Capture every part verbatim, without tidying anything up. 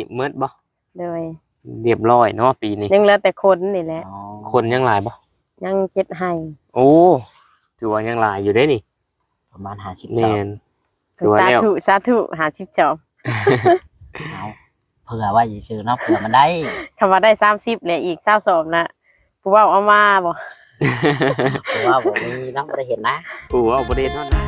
เมิดบ่เลยเรียบร้อยเนาะปีนี้ยังเหลือแต่คนนี่แหละคนยังหลายบ่ยังเจ็ดให้โอ้ถือว่ายังหลายอยู่เด้นี่ประมาณห้าสิบแม่นถือว่าแล้วสาธุสาธุห้าสิบจอบเอาเผื่อว่าสิซื้อเนาะเผื่อมันได้คำว่าได้สามสิบเลยอีกเก้าสอบนะผู้ว่าเอามาบ่เพราะว่าบ่มีเนาะบ่ได้เห็นนะผู้ว่าบ่ได้เท่านั้น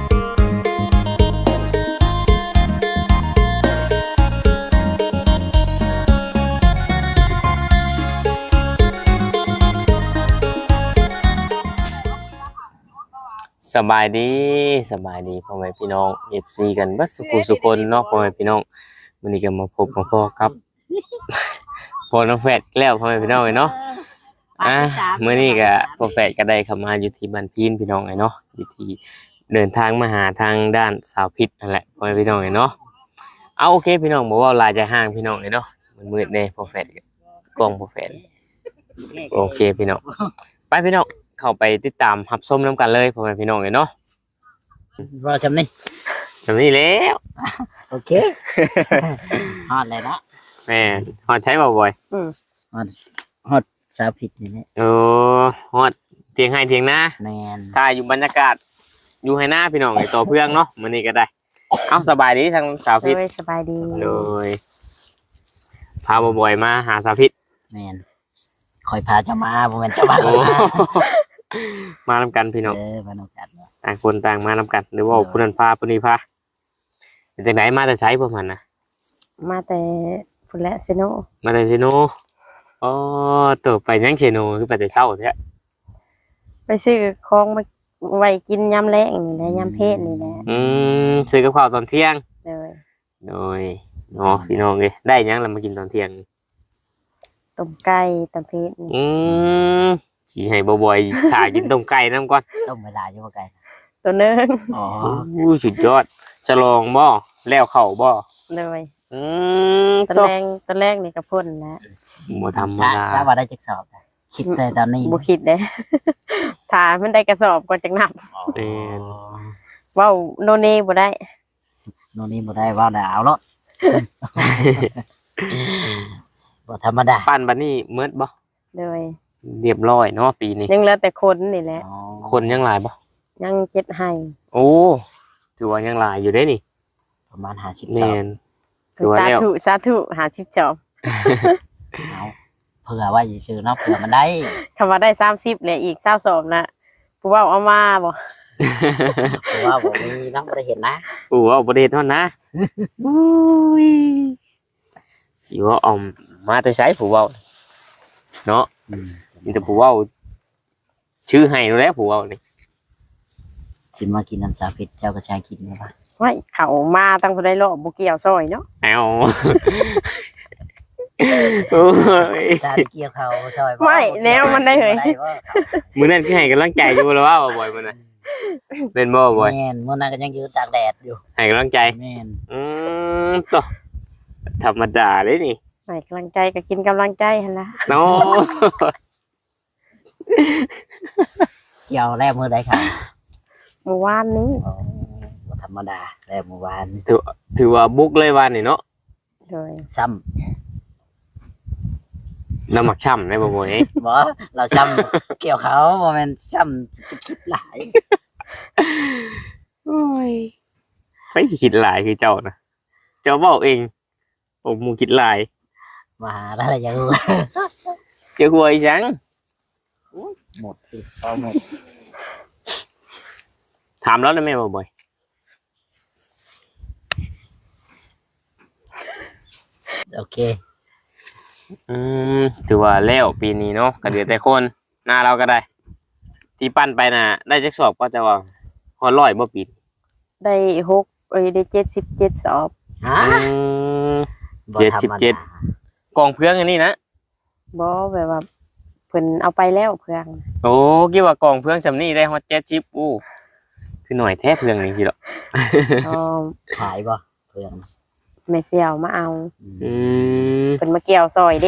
สบายดีสบายดีพ่อแม่พี่น้อง เอฟ ซี กันเบิดสุขสุขคนเนาะพ่อแม่พี่น้องวันนี้ก็มาพบกับพ่อครับพ่อน้องแฝดแล้วพ่อแม่พี่น้องเนาะอ่ะมื้อนี้ก็พ่อแฝดก็ได้เข้ามาอยู่ที่บ้านพีนพี่น้องไอ้เนาะอยู่ที่เดินทางมาหาทางด้านสาวพิษนั่นแหละพ่อแม่พี่น้องไอ้เนาะเอาโอเคพี่น้องบ่ว่าลายจะห่างพี่น้องไอ้เนาะมันมืดแน่พ่อแฝดกล้องพ่อแฝดโอเคพี่น้องไปพี่น้องเข้าไปติดตามรับชมน้ำกันเลยพ่อแม่พี่น้องเลยเนาะรอจำนี่จำนี่แล้วโอเคฮอดเลยนะแม่ฮอดใช้บ่อยอืมฮอดฮอดสาวผิดนี่แหละโอ้ฮอดเทียงให้เทียงหน้าแม่นถ้าอยู่บรรยากาศอยู่ให้หน้าพี่น้องไอ้ตัวเพื่องเนาะมื้อนี้ก็ได้เอาสบายดีทางสาวพิษสบายดีเลยพาบ่อยๆมาหาสาวพิษแม่นคอยพาเจ้ามาบ่แม่นเจ้ามามานำกันพี่น้องเออมานำกันต่างคนต่างมานำกันหรือว่าผู้นั้นพาผู้นี้พาจากไหนมาแต่ใช้พวกมันนะมาแต่พุ่นและเซโนมาแต่เซโนอ๋อตัวไปยังเซโนคือไปแต่เช้าแท้ไปซื้อของมาไว้กินยามแลงนี่แหละยามเพลนี่แหละอืมซื้อกับข้าวตอนเที่ยงเลยโดยเนาะพี่น้องเอ้ยได้ยังแล้วมากินตอนเที่ยงต้มไก่ตำเพชรอืมสิให้บ่อยๆถ่ากินต้มไก่นำก่อนต้มเวลาอยู่บ่ไก่ตัวนึงอ๋ออู้สุดยอดจะลองบ่แล้วเข้าบ่เลยอืมตอนแรกตอนแรกนี่ก็พ่นแล้วบ่ธรรมดาถ้าว่าได้จักสอบคิดแต่ตอนนี้บ่คิดเด้ถ้ามันได้กระสอบก็จักนับเอ็นเว้าโนเนบ่ได้โนนี่บ่ได้เว้าได้เอาเนาะบ่ธรรมดาปั้นบัดนี้เมิดบ่เลยเรียบร้อยเนาะปีนี้ยังเหลือแต่คนนี่แหละคนยังหลายบ่ยังเจ็ดให้โอ้ถือว่ายังหลายอยู่เด้นี่ประมาณห้าสิบแม่นถือว่าแล้วสาธุสาธุห้าสิบจอบเอาเผื่อว่าสิซื้อเนาะเผื่อมันได้คำว่าได้สามสิบเลยอีกเก้าสอบนะผู้ว่าเอามาบ่ผู้ว่าบ่มีเนาะบ่ได้เห็นนะผู้ว่าบ่ได้เห็นเท่านะอุ้ยสิว่าออมมาแต่ไสผู้ว่าเนาะมีแต่ผู้ว่าชื่อให้แล้วผู้ว่านี่สิมากินน้ำสาพิษเจ้าก็ใช้กินได้ป่ะไม่เขามาตั้งคนได้รอบบุเกี่ยวซอยเนาะเอาตาเกี่ยวเขาซอยไม่แนวมันได้เลยมื้อนั้นคือให้กำลังใจอยู่แล้วว่าบ่อยมื้อนั้นเป็นบ่บ่อยแม่นมื้อนั้นก็ยังยืนตากแดดอยู่ให้กำลังใจแม่นอืมต่อธรรมดาเลยนี่ให้กำลังใจก็กินกำลังใจหั่นล่ะเนาะเกี่ยวแล้วมื้อใดค่ะเมื่อวานนี้ธรรมดาแล้วเมื่อวานถือถือว่าบุกเลยวันนี่เนาะโดยซ้ำน้ำหมักช่ำได้บ่บ่อยบ่เราซ้ำเกี่ยวเขาบ่แม่นซ้ำคิดหลายโอ้ยไปคิดหลายคือเจ้านะเจ้าบอกเองผมมูคิดหลายมาได้แล้วยังเจ้าหวยจังหมดสิพอหมดถามแล้วได้ไหมบ่อยโอเคอืมถือว่าแล้วปีนี้เนาะก็เดือแต่คนหน้าเราก็ได้ที่ปั้นไปน่ะได้จักสอบก็จะว่าฮอดร้อยบ่ปีได้หกเอ้ยได้เจ็ดสิบเจ็ดสอบฮะเจ็ดสิบเจ็ดกองเพื่องอันนี้นะบ่แบบว่าเพิ่นเอาไปแล้วเพื่องโอ้คิดว่ากองเพื่องสำนี้ได้ฮอดเจ็ดสิบอู้คือหน่อยแท้เพื่องนี่สิหรออ๋อขายบ่เพื่องแม่เสี่ยวมาเอาอืมเป็นมาเกี่ยวซอยเด้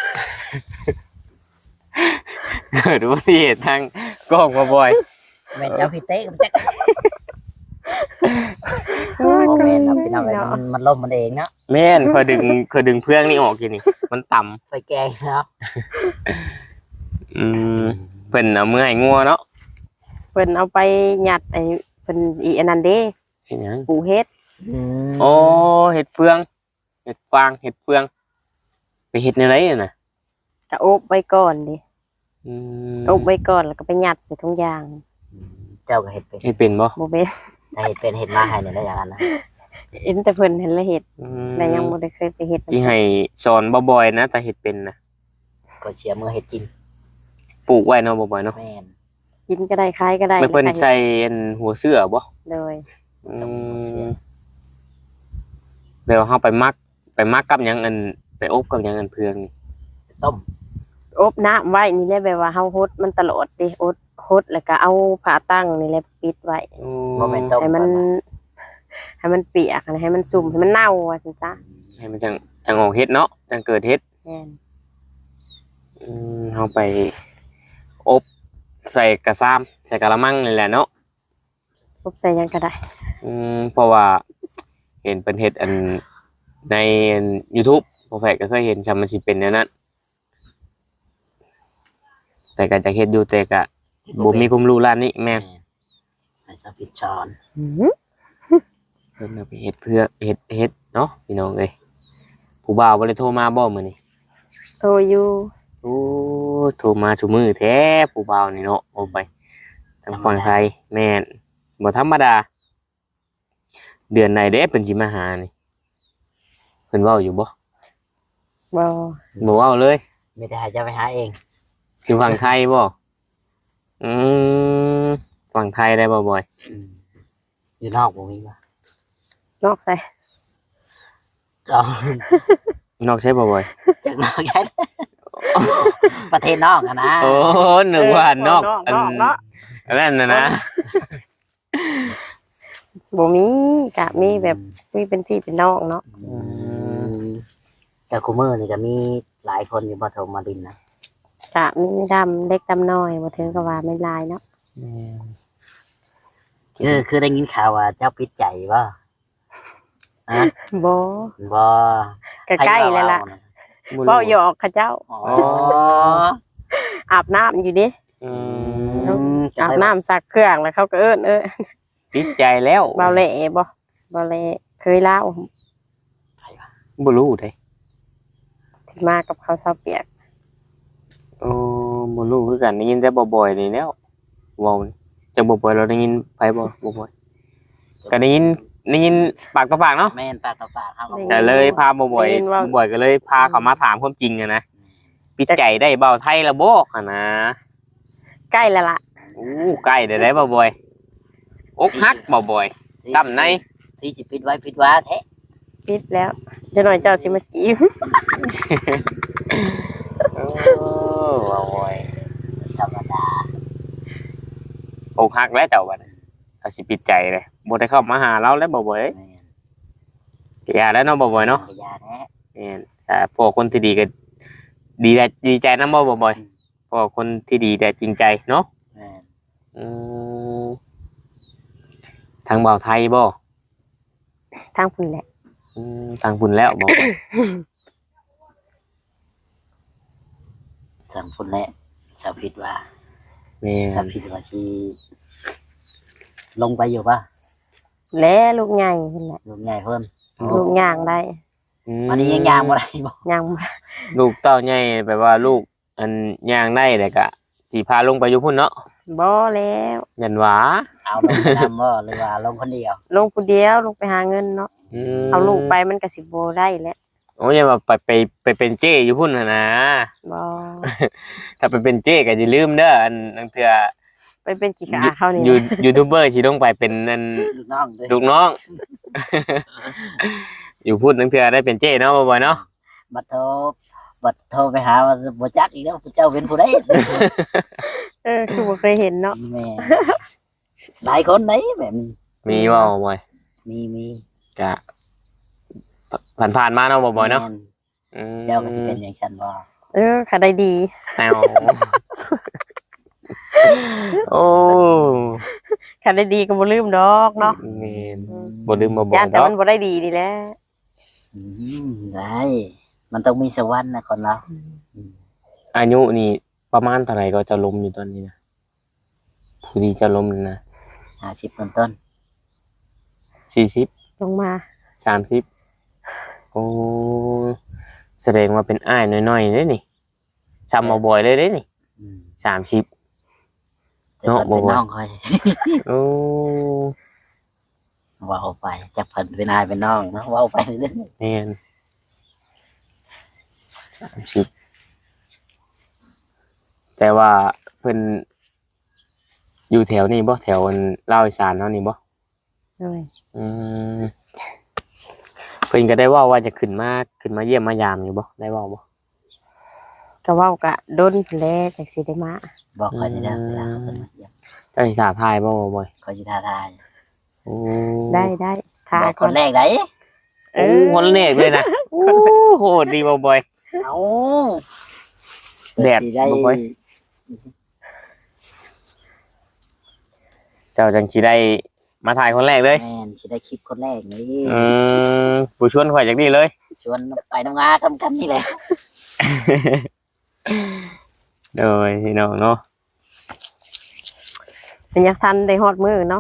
เกิดอุบัติเหตุทางกองมาบ่อยแม่เจ้าพี่เต้ก็จักโอ้แม่นเนาะพี่น้องเอ้ยมันมันล่มมันเองเนาะแม่นเคยดึงเคยดึงเพื่องนี่ออกกินนี่มันต่ำไฟแกงเนาะอืมเพิ่นเอามือให้งัวเนาะเพิ่นเอาไปหยัดไอ้เพิ่นอีอันนั้นเด้เฮ็ดหยังปลูกเฮ็ดอืมโอ้เฮ็ดเฟืองเฮ็ดฟางเฮ็ดเฟืองไปเฮ็ดในไรน่ะก็อบไว้ก่อนดิอืมอบไว้ก่อนแล้วก็ไปหยัดใส่ถุงยางเจ้าก็เฮ็ดเป็นเฮ็ดเป็นบ่บ่เป็นถ้าเฮ็ดเป็นเฮ็ดมาให้เนี่ยได้อย่างนั้นนะเห็นแต่เพิ่นเห็นแล้วเฮ็ดอืมแต่ยังบ่ได้เคยไปเฮ็ดสิให้สอนบ่บ่อยนะแต่เฮ็ดเป็นนะก็เชียร์มือเฮ็ดกินปลูกไว้เนาะบ่บ่อยเนาะแม่นกินก็ได้ขายก็ได้ไม่เพิ่นใส่อันหัวเสื้อบ่เลยอืมเดี๋ยวเฮาไปมักไปมักกับหยังอันไปอบกับหยังอันเพืองนี่ต้มอบน้ำไว้นี่แหละแบบว่าเฮาฮดมันตลอดดิอดฮดแล้วก็เอาผ้าตั้งนี่แหละปิดไว้อืบ่แม่นต้มให้มัน ให้มันเปียกให้มันสุ่มให้มันเน่าว่าซั่นจ้ะให้มันจังจังออกเฮ็ดเนาะจังเกิดเฮ็ดแม่นอืมเฮาไปอบใส่กระซามใส่กะละมังนี่แหละเนาะอบใส่หยังก็ได้อืมเพราะว่าเห็นเป็นเฮ็ดอันใน YouTube พอแฟกก็เคยเห็นชำมันสิเป็นแนวนั้นแต่ก็จะเฮ็ดอยู่แต่ก็บ่มีความรู้ร้านนี้แม่นให้สปิดช้อนอื้อหือเพิ่นเอาไปเฮ็ดเพื่อเฮ็ดเฮ็ดเนาะพี่น้องเอ้ยผู้บ่าวบ่ได้โทรมาบ่มื้อนี้โทรอยู่โอ้โทรมาซุมื้อแท้ผู้บ่าวนี่เนาะโอ้ไปทางฝั่งไทยแม่นบ่ธรรมดา เดือนไหนเด้เพิ่นสิมาหานี่เพิ่นเว้าอยู่บ่บ่บ่เว้าเลยไม่ได้ให้เจ้าไปหาเองอยู่ฝั่งไทยบ่อืมฝั่งไทยได้บ่บ่อยอืมอยู่นอกบ่มีว่ะนอกใส่ก็นอกใช่บ่บ่อยจากนอกแค่ ประเทศนอกอะนะโอ้นึกว่านอกนอกเนาะอันนั้นน่ะนะบ่มีกะมีแบบมีเป็นพี่เป็นน้องเนาะอืมแต่คูเมอร์นี่ก็มีหลายคนอยู่บ่โทรมาดินนะกะมีดำเล็กดำน้อยบ่ถึงกับว่าไม่ลายเนาะคือคือได้ยินข่าวว่าเจ้าปิดใจบ่ฮะบ่บ่ก็ใกล้แล้วล่ะบ่รู้เว้าหยอกเขาเจ้าอ๋ออาบน้ำอยู่ดิอือืมมอาบน้ำซักเครื่องแล้วเขาก็เอิ้นเอ้อติดใจแล้วเบาเละบ่เบาเละเคยเล่าบ่รู้เด้ที่มากับเขาวเซาเปียกโอ้บ่รู้คือกันได้ยินแต่บ่บ่อยนี่แล้วเว้านี่จักบ่บ่อยเราได้ยินไผบ่บ่บ่อยก็ได้ยินได้ยินปากต่อปากเนาะแม่นปากต่อปากครับก็เลยพาบ่บ่อยบ่บ่อยก็เลยพาเขามาถามความจริงอะนะปิดใจได้เบาไทยละบ่หั่นนะใกล้แล้วล่ะอู้ใกล้ได้ได้บ่บ่อยอกหักบ่บ่อยซ้ำในที่สิปิดไว้ปิดว่าแท้ปิดแล้วจะหน่อยเจ้าสิมาจีบโอ้บ่บ่อยธรรมดาอกหักแล้วเจ้าบัดเอาสิปิดใจเลยบ่ได้เข้ามาหาเราแล้วบ่บ่อยแม่นก็อย่าแล้วเนาะบ่บ่อยเนาะพยาแท้แม่นแต่พวกคนที่ดีก็ดีใจดีใจนำบ่บ่บ่อยพวกคนที่ดีแต่จริงใจเนาะแม่นอืมทางเบาไทยบ่ทางพุ่นแหละอืมทางพุ่นแล้วบ่สังพุ่นแหละชาวผิดว่าแม่ชาวน ผิดว่าสิลงไปอยู่ป่ะและลูกใหญ่พุ่นแหละลูกใหญ่เพิ่นลูกย่างได้อืมอันนี้ยังยางบ่ได้บ่ย่างมาลูกเต้าใหญ่แปลว่าลูกอันย่างได้แต่ก็สิพาลงไปอยู่พุ่นเนาะบ่แล้วยันหวาเอาลงไปนำบ่หรือว่าลงคนเดียวลงผู้เดียวลงไปหาเงินเนาะมเอาลูกไปมันก็สิบ่ได้แหละโอ้ยอย่าว่าไปไปไปเป็นเจ้อยู่พุ่นน่ะนะบ่ถ้าไปเป็นเจ้ก็อย่าลืมเด้ออันนังเทื่อไปเป็นกี่ขาเขานี่ยูนะยูทูบเบอร์สิลงไปเป็นนั่นลูกน้องเด้อลูกน้อง อยู่พูดนังเทื่อได้เป็นเจ้เนาะบ่อยๆเนาะบัดโทรบัดโทรไปหาว่าบ่จักอีกแล้วผู้เจ้าเป็นผู้ใดเออคือบ่เคยเห็นเนาะแม่หลายคนไหนแบบนี้มีว่าบ่อยมีมีๆก็ผ่านๆมาเนาะบ่อยๆเนาะแม่อืมเจ้าก็สิเป็นอย่างฉันบ่เออค่ะได้ดีแนวโอ้คันได้ดีก็บ่ลืมดอกเนาะแม่นบ่ลืมมาบอกย่านแต่ดอกมันบ่ได้ดีนี่แหละอืมได้มันต้องมีสวรรค์นะคนเราอายุนี่ประมาณเท่าไหร่ก็จะล้มอยู่ตอนนี้นะผู้ที่จะล้มนี่นะห้าสิบต้นต้นสี่สิบลงมาสามสิบโอ้แสดงว่าเป็นอ้ายน้อยๆเลยนี่ซ้ำมาบ่อยเลยเลยนี่ๆอืมสามสิบแต่เพิ่นเป็นเนาะบ่บ่น้องคอยโอ้เว้าไปจับเพิ่นเป็นนายเป็นน้องเนาะเว้าไปเรื่อยแม่นสามสิบแต่ว่าเพิ่นอยู่แถวนี้บ่แถวอันลาวอีสานเนาะนี่บ่เลยอืมเพิ่นก็ได้เว่าว่าจะขึ้นมาขึ้นมาเยี่ยมมายามอยู่บ่ได้เว่าบ่ก็เว้ากะดนแลจักสิได้มาๆบอกคอยได้เวลาเขาเพิ่นมาเยี่ยมเจ้าสิถาทายบ่บ่บ่อยคอยสิท้าทายโอ้ได้ได้ทาบอกคก่อนนแรกได้เอโอ้อคนเลขเลยนะโอ้โหดดีบ่บ่อยเอาแดดสิได้บ่ค่อย เจ้าจังสิได้มาถ่ายคนแรกเลยแม่นสิได้คลิปคนแรกนี่อืมผู้ชวนข่อยจักดีเลยชวนไปน้ำงาทำกันนี่แหละโดยพี่น้องเนาะเป็นยังทันได้ฮอดมื้อเนาะ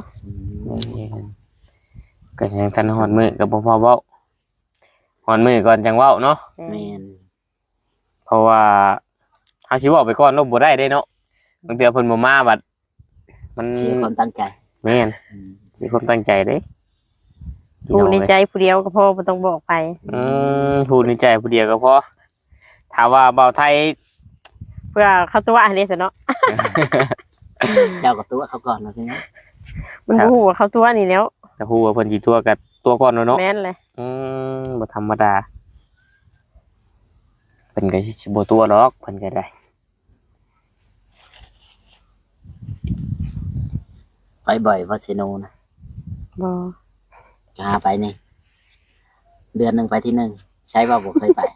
ก็ยังทันฮอดมื้อก็บ่พอเว้าฮอดมื้อก่อนจังเว้าเนาะแม่นเพราะว่าเฮาสิเว้าไปก่อนเนาะบ่ได้เด้เนาะบางเทื่อเพิ่นบ่มาบัดมันเสียความตั้งใจแม่นอืมสิความตั้งใจเด้พี่ผู้น้องในเอ้ยใจผู้เดียวก็พอบ่ต้องบอกไปอืมพูดในใจผู้เดียวก็พอถามว่าเบาไทยเพื่อเข้าตัวอันนี้ซะเนาะเจ้ากับตัวเขาก่อนนะทีนี้มันบ่ฮู้ว่าเข้าตัวนี่แล้วแต่ฮู้ว่าเพิ่นสิตัวกับตัวก่อนเนาะเนาะแม่นเลยอืมบ่ธรรมดาเพิ่นก็สิบ่ตัวหรอกเพิ่นก็ได้ไปบ่อยวัดเซโนนะบ่จะหาไปนี่เดือนหนึ่งไปที่หนึ่งใช้ว่าผมเคยไป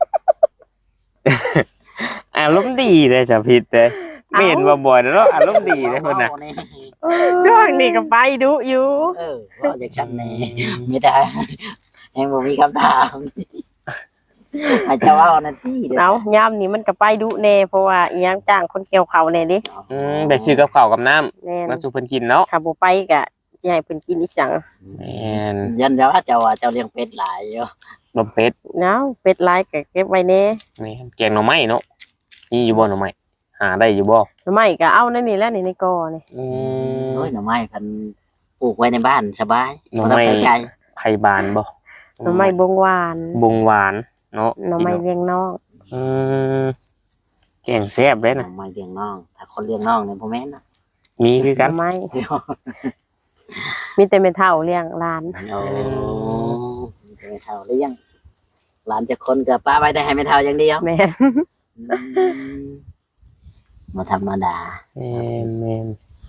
อารมณ์ดีเลยสะพิษเด้ไม่เห็นว่าบ่อยแล้วเนาะอารมณ์ดีเลยเพิ่นน่ะว้าวนี่ช่วงนี้ก็ไปดุอยู่เออว่าจากฉันนี่ไม่ได้เองผมมีคำถามอาจจะว่านาทีเดียวเอายามนี้มันก็ไปดุแน่เพราะว่าอีหยังจ้างคนเกี่ยวข้าวแน่ดิอืมได้ซื้อกับข้าวกับน้ำแม่นมาสู่เพิ่นกินเนาะถ้าบ่ไปก็สิให้เพิ่นกินอีกจังแม่นยันจะว่าเจ้าว่าเจ้าเลี้ยงเป็ดหลายอยู่บ่เป็ดเนาะเป็ดลายก็เก็บไว้แน่แม่นแกงหน่อไม้เนาะมีอยู่บ่หน่อไม้หาได้อยู่บ่หรือไม่ก็เอานั่นนี่แหล้วนี่ในกอนี่อืมโอ้ยหน่อไม้พันปลูกไว้ในบ้านสบายหน่อบ่ต้องไม้ไปไกลไผบานบ่หรือไม่บงหวานบงหวานเนาะหน่อไม้เลี้ยงน้องอืมแกงแซ่บเลยหน่นะอไม้เลี้ยงน้อง ถ้าคนเลี้ยงน้องเนี่ยพ่อแม่นนะมีคือหกัน่นอไม้เดี๋ยวมีแต่แม่เฒ่าเลี้ยงหลานโอ้ไม่เท่าหรือยังหลานจะคนกับป้าไว้ได้ให้ไม่เท่าอย่างเดียวแม่นอืมมาธรรมดาแม่นแมน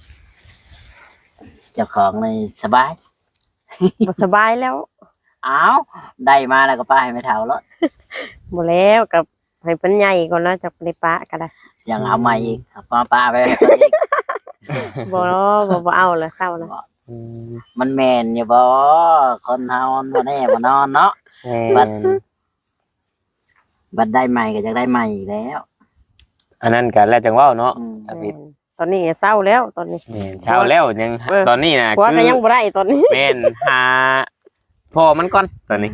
เจ้าของเลยสบายบ่สบายแล้วอ้าวได้มาแล้วก็ป้าให้ไม่เท่าแล้วบ่แล้วกับให้เพิ่นใหญ่ก่อนแล้วจะไปปะก็ได้ยังเอามาอีกครับป้าป้าไปให้เพิ่นอีกบ่บ่บ่เอาแล้วเศร้าแล้วอืมมันแมนอยู่บ่คนเฮามันบ่แน่บ่นอนเนาะแมบัดนบัดได้ใหม่ก็จะได้ใหม่อีกแล้วอันนั้นกันแล้วจังเว่าเนาะอืมสาวิตตอนนี้เศร้าแล้วตอนนี้แม่นเช้าแล้วยังเออตอนนี้นะผัวคืก็อยังบ่ได้ตอนนี้แม่นหาพ่อมันก่อนตอนนี้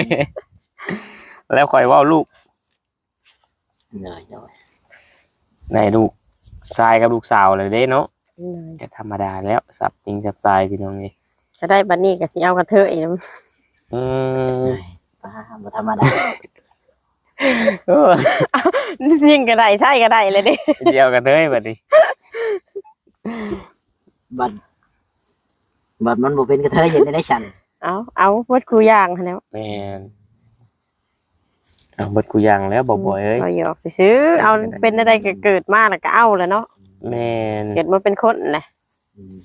แล้วค่อยเว่าลูกเลยเลยในลูกชายกับลูกสาวเลยเด้เนาะก็ธรรมดาแล้วสับจริงสับทรายพี่น้องนี่จะได้บัดนี้ก็สิเอากระเทยนำอืมป้าบ่ธรรมดาเออยิงก็ได้ใช่ก็ได้เลยเด้เดียวกันเลยบัดนี้บัดบัดมันบ่เป็นกระเทยเห็นได้ฉันเอาเอาเบิดกูอย่างหั้นแหล้วแม่นเอาเบิดกูยังแล้วบ่บ่อยเอ้ยเอาหยอกซื้อๆเอาเป็นอะไรก็เกิดมาแล้วก็เอาแหล้วเนาะแม่นเกิดมาเป็นคนแหละอืม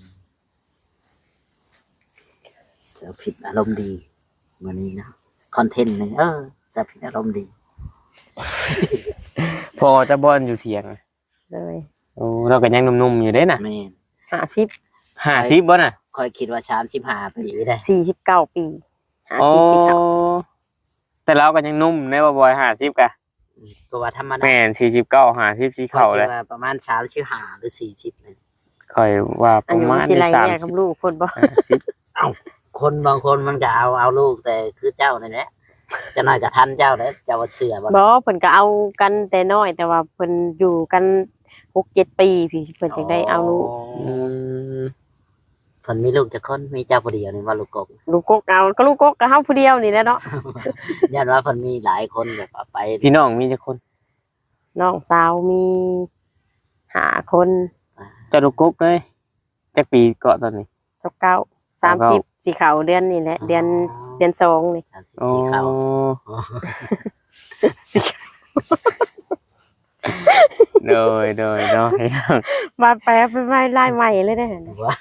เสือผิดอารมณ์ดีวันนี้นะคอนเทนต์หนึงเออเสือผิดอารมณ์ดีพอจะบ่อนอยู่เถียงเลยโอ้เราก็ยังหนุ่มๆอยู่เด้น่ะแม่นห้าสิบห้าสิบบ่น่ะค่อยคิดว่าสามสิบห้าปีได้สี่สิบเก้าปีห้าโอ้สิบสี่สิบแต่เราก็ยังหนุ่มในบ่บ่อยห้าสิบกะก็ว่าธรรมดาแม่นสี่สิบเก้า ห้าสิบสีค่อยเข้าคิเลดยว่าประมาณสามสิบห้าหรือสี่สิบนี่ค่อยว่าปอาระยุมาณสิไรสามเนี่ยสิกับบ ลูกคนบ่ห้าสิบคนบางคนมันก็เอาเอาลูกแต่คือเจ้านั่นแหละจะน้อยกับทันเจ้าเลยเจ้าว่าเสือบ่บ่เพิ่นก็เอากันแต่น้อย แต่ว่าเพิ่นอยู่กันหกเจ็ดปีพี่เพิ่นจึงได้เอาลูกอืมเพิ่นมีลูกจักคนมีเจ้าผู้เดียวนี่ว่าลูกกบลูกกกเอาก็ลูกกกก็เฮาผู้เดียวนี่แหละเนาะยันว่าเพิ่นมีหลายคนแบบว่าไปพี่น้องมีจักคนน้องสาวมีห้าคนเจะลูกกกเลยจักปีเกาะตอนนี้จบเก้าสามสิบสีขาวเดือนนี่แหละเดือนเดือนสองนี่สามสิบอ๋อสี่เขาโดยโดยโดยมาแปลเป็นไม้ลายใหม่เลยได้อนะว่า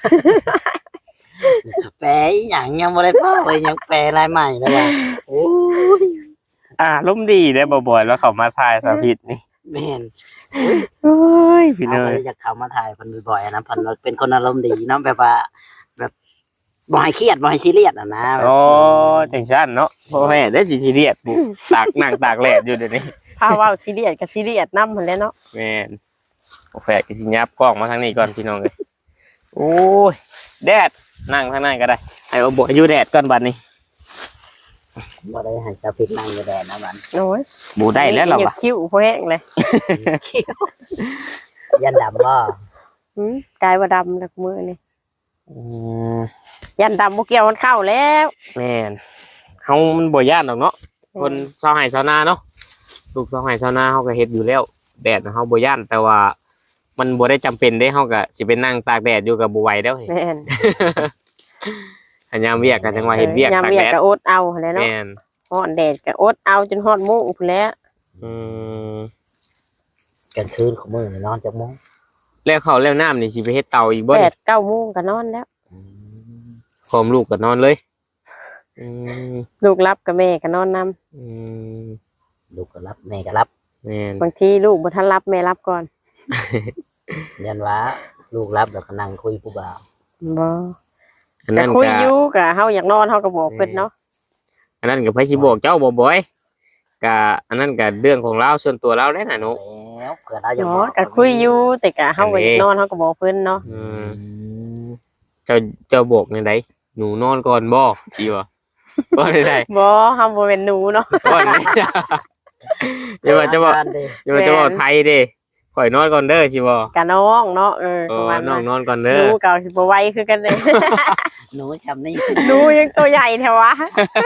แปลอีหยังยังบ่ได้พ่อเลยยังแปลลายใหม่เลยว่าโอ้ยอ่าล้มณ์ดีได้อบ่อยๆแล้วเขามาทายสาธิตนี่แม่นเฮ้ยพี่เอาเนไปยจะเข้ามาถ่ายเพิ่นบ่อยๆนะเพิ่นเป็นคนอารมณ์ดีเนาะแบบว่า แบบบ่ให้เครียดบ่ให้ซีเรียสอ่ะนะโอ้จังซั่นเนาะพ่อแม่ได้สิซีเรียสบุตากนั่งตากแดดอยู่เดี๋ยวนี้พาเว้าซีเรียสกับซีเรียสนำหั่นแหละเนาะแม่นโอแฟกสิยับกล้องมาทางนี้ก่อนพี่น้องเอ้ยโอ้ยแดดนั่งทางนั้นก็ได้ให้เอาบ่อยู่แดดก่อนบัดนี้บ่ได้ให้สาวพิษนั่งอยู่แดดนะมันโอ้ยบ่ได้แล้วล่ะเหยียว่ะบคิ้วพอแห้งเลยยันดำบ่หืมกลายว่าดำแล้วมือนี่อืมยันดำบ่เกี่ยวมันเข้าแล้วแม่นเฮามันบ่ย่านดอกเนาะคนชาวไร่ชาวนาเนาะลูกชาวไร่ชาวนาเฮาก็เฮ็ดอยู่แล้วแดดน่ะเฮาบ่ย่านแต่ว่า มันบ่ได้จำเป็นเด้เฮาก็สิไปนั่งตากแดดอยู่ก็บ่ไหวแล้วเฮ้ยแม่นอันยามเวียกก็จังว่าเฮ็ดเวียกยามตากเวียแดกดก็อดเอาหั่นแหละเนาะแม่นฮ้อนแดดก็อดเอาจนฮอดมุ้งพุ่นแหล้วอืมกลางคืนของมื้อนี่นอนจักโมงแล้วข้าวแล้วน้ำนี่สิไปเฮ็ดเตาอีกบ่แปนี่ดเก้าโมงก็นอนแล้วพร้อมลูกก็นอนเลยอืมลูกรับกับแม่ก็นอนนำอืมลูกก็รับแม่ก็รับแม่นบางทีลูกบ่ทันรับแม่รับก่อนยันว่าลูกรับแล้วก็นั่งคุยผู้บ่าวบ่อันก็นั้นคุยก็อยู่ก็เฮาอยากนอนเฮาก็บอกเพิ่นเนาะอันนั้นก็ไผสิบอกเจ้าบ่บ่อยก็อันนั้นก็เรื่องของเราส่วนตัวเราได้น่ะหนูแล้วเผื่อเราจะอ๋บออกก็คุยอยู่แต่ก็เฮาก็อยากนอนเฮาก็บอกเพิ่นเนาะอือืมมเจ้าเจ้าบอกในใดหนูนอนก่อนบ่สิบ่บ่ได้ได้บ่เฮาบ่เป็นหนูเนาะก่อนนี่อย่าว่าจะบอกอย่าว่าจะบอกไทยเด้ข่อยนอนก่อนเด้อสิบ่กะน้องเนาะเออเอประอมาณน้นั้องนนอนก่อนหเด้นูอก็สิบ่ไหวคือกันเลยหนูจำนี่หนูยังตัวใหญ่แท้วะ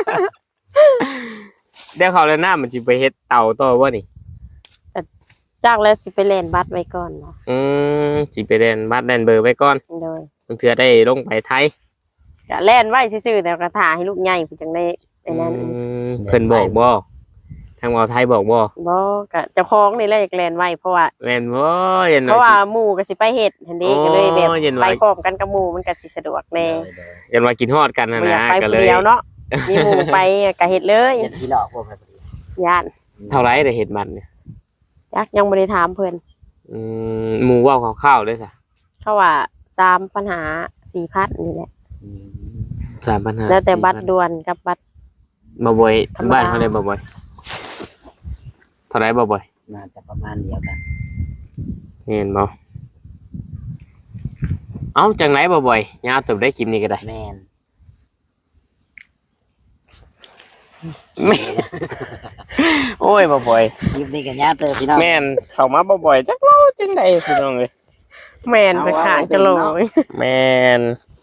เดี๋ยวเขาแล้วน้ามันสิไปเฮ็ดเตาต่อบ่นี่จากแล้วสิไปเล่นบัตรไว้ก่อนเนาะอืมสิไปเรียนบัตรแดนเบอร์ไว้ก่อนโดยเพื่อได้ลงไปไทยก็เล่นไว้ซื่อๆแต่ก็ถ่าให้ลูกใหญ่ผู้จังได้ไอ้นั้นอืมเพิ่นบอกบ่ทางเว้าไทยบอกบ่บ่ก็เจ้าของนี่แหละอยากเล่นไว้เพราะว่าแม่นบ่เย็นเพราะว่าหมู่ก็สิไปเฮ็ดหั่นเด้ก็เลยแบบโอ้เย็นไว้ไปพร้อมกันกับหมู่มันก็สิสะดวกแน่เย็นว่ากินฮอดกันนะบ่อยานะกไปก็ผู้เลยเดียวเนาะมีหมู่ไปก็เฮ็ดเลยยันที่หลอกพวกแบบนี้ย่านเท่าไรได้เฮ็ดบัตรเนี่ยจักยังบ่ได้ถามเพิ่นอืมหมู่เว้าคร่าวๆเลยซะเขาว่าตามปัญหา สี่พัน นี่แหละสามปัญหาแล้วแต่บัตรสี่พันด่วนกับบัตรบ่บ่อยธรรมดาบ้านเท่าใดบ่บ่อยเท่าไรบ่บ่อยน่าจะประมาณเดียวกันเห็นบ่เอ้าจังไหนบ่บ่อยยาวเติบได้คลิปนี้ก็ได้แม่นแม่โอ้ยบ่บ่อยคลิปนี้กันยาเตอพี่น้องแม่นเข้ามาบ่บ่อยจักเล่าจังได๋พี่น้องเอ้ยแม่นไปขางจะโลยแม่น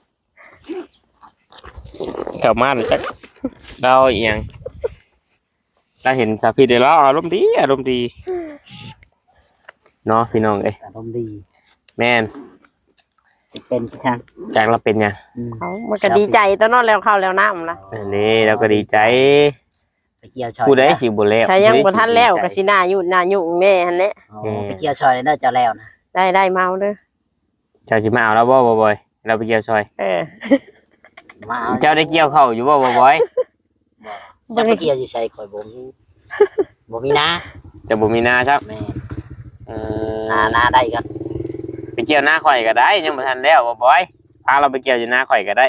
เข้ามานี่จักเล่าอีหยังถ้าเห็นสาพิษได้แล้วอารมณ์ดีอารมณ์ดีเนาะพี่น้องเอ้ยอารมณ์ดีแม่นจะเป็นพี่ช่างจากเราเป็นหยังอืมเขามันก็ดีใจตอนนั้นแล้วเข้าแล้วน้ำนะอันนี้เราก็ดีใจไปเกี่ยวชอยผู้ใดสิบ่แล้วถ้ายังบ่ทันแล้วก็สิหน้ายุ่นหน้ายุ่งแน่หั่นแหละอ๋อไปเกี่ยวชอยเลยเด้อเจ้าแล้วนะได้ได้เมาเด้อเจ้าสิมาเอาแล้วบ่บ่บ่อยเราไปเกี่ยวซอยเออมาเอาเจ้าได้เกี่ยวเข้าวอยู่บ่บ่บ่อยจะไปเกี่ยวอยู่ใส่ข่อยบ่มีบ่มีนะเจะบ่มีนาครับแม่นเอนาอนาได้กันไปเกี่ยวหน้าข่อยก็ได้ยังบ่ทันแล้วบ่บอยพาเราไปเกี่ยวอยู่หน้าข่อยก็ได้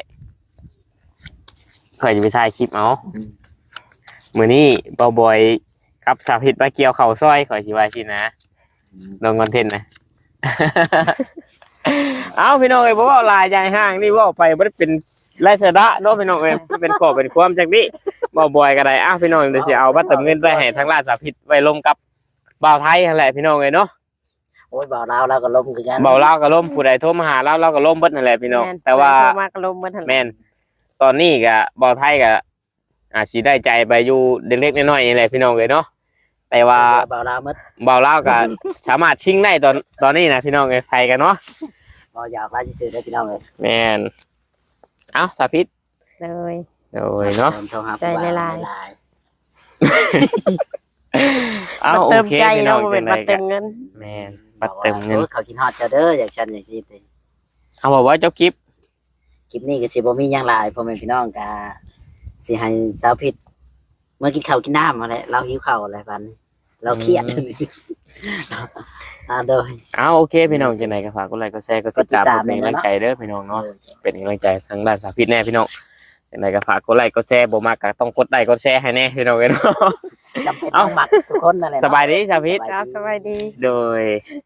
ข่อยจะไปถ่ายคลิปเอามื้อนี้บ่บอยกับสาวพิษมาเกี่ยวเข่าซอยข่อยสิว่าสินะลงคอนเทนต์นะ เอาพี่น้องเอ้ยบ่เว้าหลายใจห่างนี่เว้าไปบ่ได้เป็นไร้สาระเนาะพี่น้องเอ้ยเป็นข้อเป็นความจักนี้บ่บอยก็ได้อ้าวพี่น้องเดี๋ยวสิเอาบัตรเติมเงินไปให้ทางร้านสาวพิษไว้ลมกับบ่าวไทยนั่นแหละพี่น้องเอ้ยเนาะโอ้ยบ่าวลาวเราก็ล้มคือกันเบาเล่าก็ล่มผู้ใดโทรมาหาเราเราก็ล่มเบิดนั่นแหละพี่น้องม่นแต่ว่าโทรมากระลมมาทันแม่นตอนนี้ก็บ่าวไทยก็อาจสิได้ใจไปอยู่เล็กๆน้อยๆนี่แหละพี่น้องเอ้ยเนาะแต่ว่าบ่าวลาวหมดเบาเล่าก็สามารถชิงได้ตอนตอนนี้นะพี่น้องเอ้ยไทยกันเนาะบ่อยากลาซื่อๆได้พี่น้องเอ้ยแม่นเอ้าสาพิษเลยโอ้ยเนาะโทรหาใจละลายเอ้ามาโอเติมเคใจพี่น้เนาะองบ่เป็นจัมางไดเติก็มเงินแม่นบัตรเติมเงินโอ้ยเขากินฮอดเจ้าเด้ออย่างฉันอย่างซี่ติเอาบอกว่าเจ้ากิฟคลิปนี้ก็สิบ่มีหยังหลายพ่อแม่พี่น้องก็สิให้สาวผิดเมื่อกินข้าวกินน้ำมาแหละเราหิวข้าวอะไรบัดนี้เราเครียด อ่าโดยเอาโอเคพี่น้องจังไดก็ฝากกดไลค์กดแชร์กดติดตามกดติดตามเป็นกำลังใจเด้อพี่น้องเนาะเออเป็นกำลังใจทางด้านสาพิษแน่พี่น้องยังไงก็ฝากกดไลค์กดแชร์บ่มากก็ต้องกดไลค์กดแชร์ให้แน่พี่น้องเอ้ยเนาะจำเป็นต้องหมักทุกคนนั่นแหละเนะสบายดีสาพิษครับสบายดีโดย